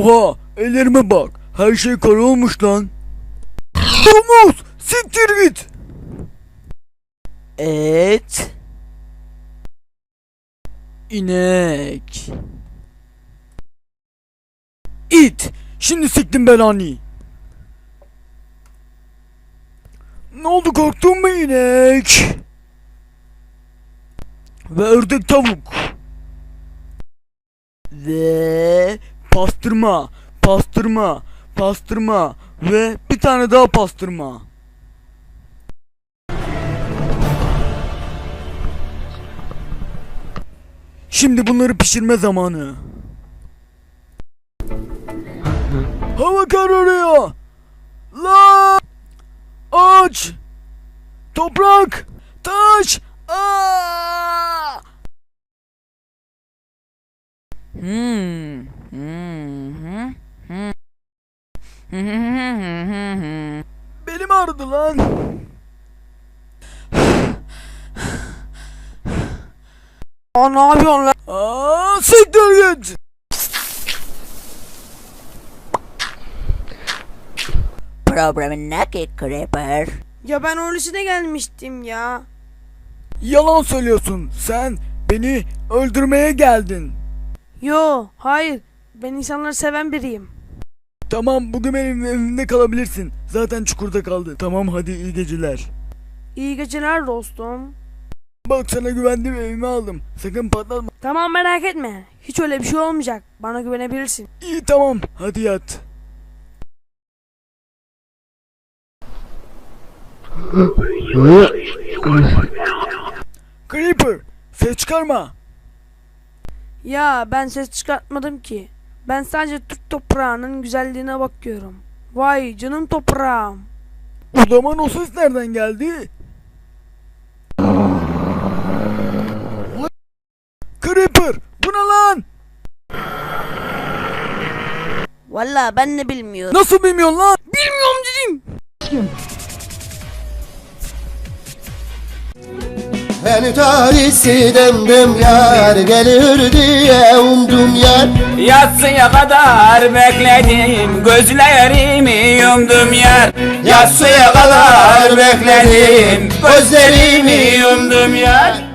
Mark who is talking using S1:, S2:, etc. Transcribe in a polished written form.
S1: Oha, ellerime bak. Her şey kara olmuş lan. Domuz, siktir git.
S2: Et.
S1: İnek. İt. Şimdi siktim belanı. Ne oldu, korktun mu inek? Ve ördek tavuk. Ve pastırma. Pastırma. Pastırma. Ve bir tane daha pastırma. Şimdi bunları pişirme zamanı. Hava kararıyor. La! Ağaç! Toprak! Taş! Aa! Belim ağrıdı lan.
S2: Aa, ne yapıyorsun lan?
S1: Aa, siktir git.
S2: Problemin ne ki Creeper?
S3: Ya ben öylesine gelmiştim ya.
S1: Yalan söylüyorsun. Sen beni öldürmeye geldin.
S3: Yo, hayır. Ben insanları seven biriyim.
S1: Tamam, bugün benim evimde kalabilirsin. Zaten çukurda kaldı. Tamam, hadi iyi geceler.
S3: İyi geceler dostum.
S1: Bak, sana güvendim, evime aldım. Sakın patlatma.
S3: Tamam, merak etme. Hiç öyle bir şey olmayacak. Bana güvenebilirsin.
S1: İyi, tamam, hadi yat. Creeper, ses çıkarma.
S3: Ya ben ses çıkartmadım ki. Ben sadece Türk toprağının güzelliğine bakıyorum. Vay canım toprağım.
S1: O zaman o ses nereden geldi? Creeper, bu ne lan?
S2: Vallahi ben de bilmiyorum.
S1: Nasıl bilmiyorsun lan?
S3: Bilmiyorum dedim.
S4: Beni talihsiz demdim yar gelir diye umdum yar.
S5: Yatsıya kadar bekledim, gözlerimi yumdum yar. Yatsıya kadar bekledim, gözlerimi yumdum yar.